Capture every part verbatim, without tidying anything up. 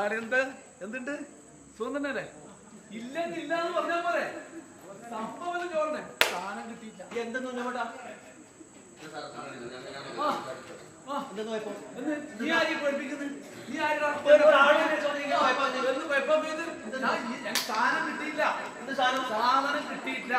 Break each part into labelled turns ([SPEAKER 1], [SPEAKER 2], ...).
[SPEAKER 1] എന്ത് എന്തുണ്ട് സുഖം തന്നെയല്ലേ? ഇല്ലെന്ന് ഇല്ലാന്ന് പറഞ്ഞാൽ പോരെ. സംഭവം ചോറിനെ സാധനം കിട്ടിയില്ല.
[SPEAKER 2] എന്തെന്ന് കുഞ്ഞമ്മേട്ടാ?
[SPEAKER 1] നീ ആരെയും പഠിപ്പിക്കുന്നത്? നീ ആരാ? സാധനം കിട്ടിയില്ല. സാധനം കിട്ടിയില്ല.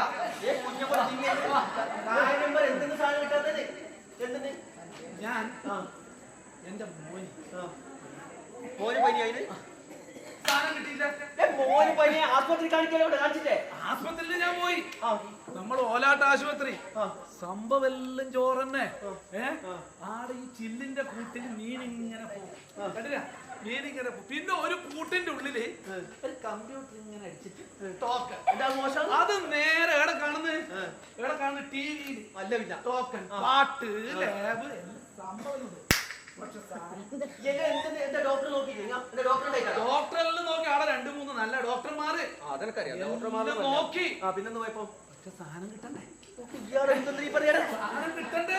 [SPEAKER 2] എന്തെന്ന് സാധനം കിട്ടാത്തത്? എന്തിന്?
[SPEAKER 1] ഞാൻ എന്റെ മോന്
[SPEAKER 2] മോന് പനിയായത്
[SPEAKER 1] സാധനം കിട്ടിയില്ല.
[SPEAKER 2] മോന് പനി ആസ്പത്രി കാണിക്കലോ? കാണിച്ചില്ലേ?
[SPEAKER 1] ആസ്പത്രിയിൽ ഞാൻ പോയി. നമ്മൾ ഓലാട്ട് ആശുപത്രി. സംഭവം എല്ലാം ചോറന്നെ. ഏഹ് ആടെ ഈ ചില്ലിന്റെ കൂട്ടിൽ മീൻ ഇങ്ങനെ പോകും. കണ്ടില്ല? മീൻ ഇങ്ങനെ പോകും. പിന്നെ ഒരു കൂട്ടിന്റെ ഉള്ളില് ഒരു കമ്പ്യൂട്ടർ ഇങ്ങനെ അടിച്ചിട്ട് ടോക്കൺ. അത് നേരെ എവിടെ കാണുന്നത്? എവിടെ കാണുന്നത്? ടി വിയിൽ. അല്ല ടോക്കൺ, പാട്ട്, ലാബ് സംഭവം. ഡോക്ടറെല്ലാം നോക്കി ആടെ രണ്ടു മൂന്ന് നല്ല ഡോക്ടർമാര് നോക്കി.
[SPEAKER 2] പിന്നെ പോയപ്പോ
[SPEAKER 1] സാധനം കിട്ടണ്ടേ?
[SPEAKER 2] സാധനം കിട്ടണ്ടേ?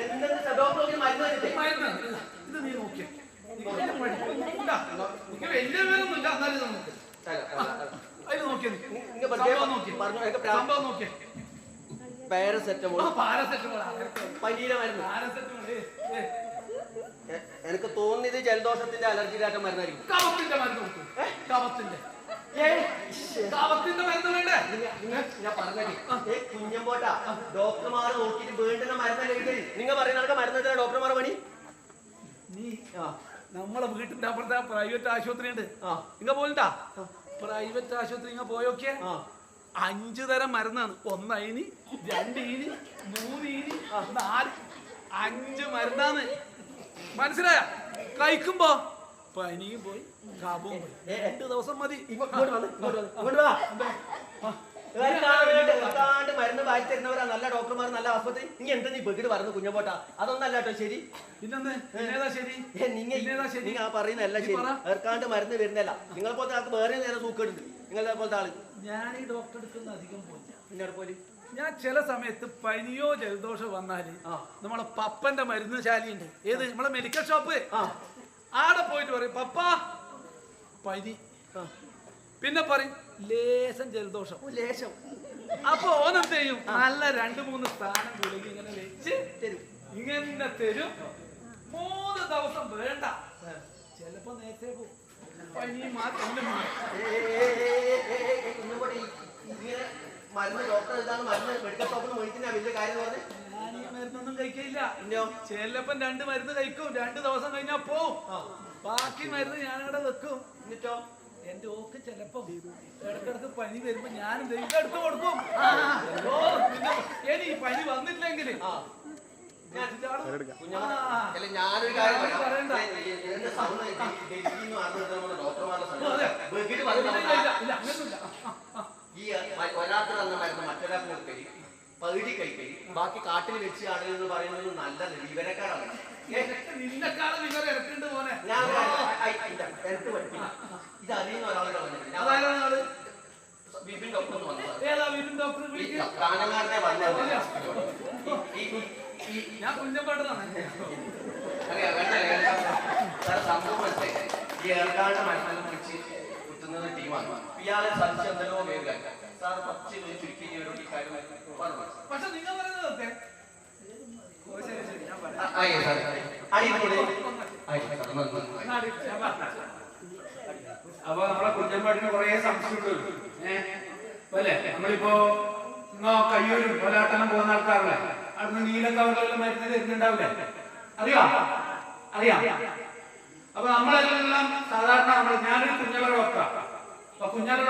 [SPEAKER 1] ഇത് നീ നോക്കിയ വലിയ പേരൊന്നുമില്ല. എന്നാലും നമുക്ക് അതിൽ നോക്കിയ സംഭവം നോക്കിയ
[SPEAKER 2] പാരസെറ്റമോൾ.
[SPEAKER 1] പാരസെറ്റമോൾ
[SPEAKER 2] പനീര മരുന്ന്.
[SPEAKER 1] പാരസെറ്റമോൾ
[SPEAKER 2] എനിക്ക് തോന്നിയത് ജലദോഷത്തിന്റെ അലർജിയിലാറ്റ മരുന്നായിരിക്കും.
[SPEAKER 1] കഫത്തിന്റെ മരുന്ന് കൊടുത്തു. കഫത്തിന്റെ കഫത്തിന്റെ മരുന്ന് വേണ്ടേ?
[SPEAKER 2] ഞാൻ പറഞ്ഞേ കുഞ്ഞമ്പോട്ടാ ഡോക്ടർമാർ നോക്കിയിട്ട് വേണ്ടുന്ന മരുന്നല്ലേ എഴുതി. നിങ്ങൾ പറയുന്ന മരുന്ന് ഡോക്ടർമാർ പണി.
[SPEAKER 1] നീ നമ്മളെ വീട്ടിന്റെ അപ്പുറത്തെ പ്രൈവറ്റ് ആശുപത്രി ഉണ്ട്. നിങ്ങ പോയിട്ടാ പ്രൈവറ്റ് ആശുപത്രി ഇങ്ങ പോയോക്കിയ അഞ്ചു തരം മരുന്നാണ്. ഒന്നയിന്, രണ്ടീന്, മൂന്നീന്, നാല്, അഞ്ച് മരുന്നാണ്. മനസ്സിലായ? കഴിക്കുമ്പോ പനിയും പോയി, കാബും പോയി. രണ്ടു ദിവസം മതി.
[SPEAKER 2] മരുന്ന് വായി തരുന്നവരാ നല്ല ഡോക്ടർമാർ, നല്ല ആസ്പത്രി. നീ എന്താ നീ ബഗിട് പറഞ്ഞു കുഞ്ഞപ്പോട്ടാ? അതൊന്നല്ല കേട്ടോ ശരി.
[SPEAKER 1] പിന്നെന്താ ശരി?
[SPEAKER 2] നിങ്ങൾ ആ പറയുന്നല്ല ശരി. ഏർക്കാണ്ട് മരുന്ന് വരുന്നല്ല. നിങ്ങളെ പോലത്തെ ആൾക്ക് വേറെ നേരം സൂക്കേടുണ്ട്. നിങ്ങളെ പോലത്തെ ആള്.
[SPEAKER 1] ഞാൻ ഈ ഡോക്ടർ എടുക്കുന്ന അധികം പോയില്ല.
[SPEAKER 2] പിന്നെ പോലെ
[SPEAKER 1] ഞാൻ ചില സമയത്ത് പനിയോ ജലദോഷോ വന്നാല് നമ്മളെ പപ്പന്റെ മരുന്ന് ശാലയുണ്ട്. ഏത്? നമ്മളെ മെഡിക്കൽ ഷോപ്പ്. ആടെ പോയിട്ട് പറയും പപ്പ പനി. പിന്നെ പറയും ലേശം ജലദോഷം.
[SPEAKER 2] ലേശം.
[SPEAKER 1] അപ്പൊ ഓനെന്ത് ചെയ്യും? നല്ല രണ്ടു മൂന്ന് സ്ഥാനം ഗുളിക ഇങ്ങനെ വെച്ച് തരും. ഇങ്ങനെ തരും. മൂന്ന് ദിവസം വേണ്ട. ചിലപ്പോ നേരത്തെ പോകും. പനി മാറ്റം
[SPEAKER 2] മരുന്ന് ഡോക്ടർ എഴുതാണ് മരുന്ന് മെഡിക്കൽ ഷോപ്പിൽ മേടിക്കുന്ന വലിയ കാര്യം എന്ന് പറഞ്ഞ്
[SPEAKER 1] ഞാൻ ഈ മരുന്നൊന്നും കഴിക്കില്ല. ചിലപ്പം രണ്ട് മരുന്ന് കഴിക്കും. രണ്ട് ദിവസം കഴിഞ്ഞാ പോവും. ബാക്കി മരുന്ന് ഞാനവിടെ വെക്കും.
[SPEAKER 2] എന്നിട്ടോ
[SPEAKER 1] എന്റെ ഓക്ക് ചിലപ്പോ ഇടക്കിടക്ക് പനി വരുമ്പോ ഞാൻ എടുത്ത് കൊടുക്കും. ഇനി പനി വന്നിട്ടില്ലെങ്കിൽ
[SPEAKER 2] ഞാനൊരു കാര്യം ഈ ഒരാൾക്ക് തന്ന മരുന്ന് മറ്റൊരാൾക്ക് കൊടുക്കല്, പകുതി കഴിക്കല്, ബാക്കി കാട്ടിൽ വെച്ച് ആളുകൾ എന്ന് പറയുന്നത് നല്ല വിവരക്കാരാണ്.
[SPEAKER 1] നിന്നെക്കാളും വിവരം ഇറക്കുന്നുണ്ട് പോലെ.
[SPEAKER 2] ഞാൻ എനിക്ക് പഠിപ്പില്ല. ഇത് അറിയുന്ന ഒരാളുടെ വിപിൻ ഡോക്ടർ എന്ന് വന്നത് കാനങ്ങാരനെ വന്നത്
[SPEAKER 1] ഞാൻ കുഞ്ഞപ്പാട്ടനാണ്.
[SPEAKER 2] അറിയാം വേണ്ട സംഭവം ഈ ഏർക്കാട് മരുന്നെല്ലാം വിളിച്ച് കുത്തുന്നത് ടീമാണ്. ഇയാളെ സംശയം എന്തെല്ലോ വേഗം സാർ പച്ച ചുരുക്കി ഈ കാര്യം
[SPEAKER 1] പക്ഷെ നിങ്ങൾ പറയുന്നതൊക്കെ
[SPEAKER 3] അപ്പൊ നമ്മളെ കുഞ്ഞമ്പാട്ടിന് കുറെ സംശയമുണ്ട്. ഏഹ് അല്ലേ? നമ്മളിപ്പോ കയ്യൂരും പോലാട്ടനം പോകുന്ന ആൾക്കാരല്ലേ? അവിടുന്ന് നീലക്കവറിലെല്ലാം മരുന്ന് തരുന്നുണ്ടാവില്ലേ? അറിയാം അറിയാം. അപ്പൊ നമ്മളെല്ലാം സാധാരണ നമ്മൾ ഞാനൊരു കുഞ്ഞവരെ വെക്കാം. അപ്പൊ കുഞ്ഞവരെ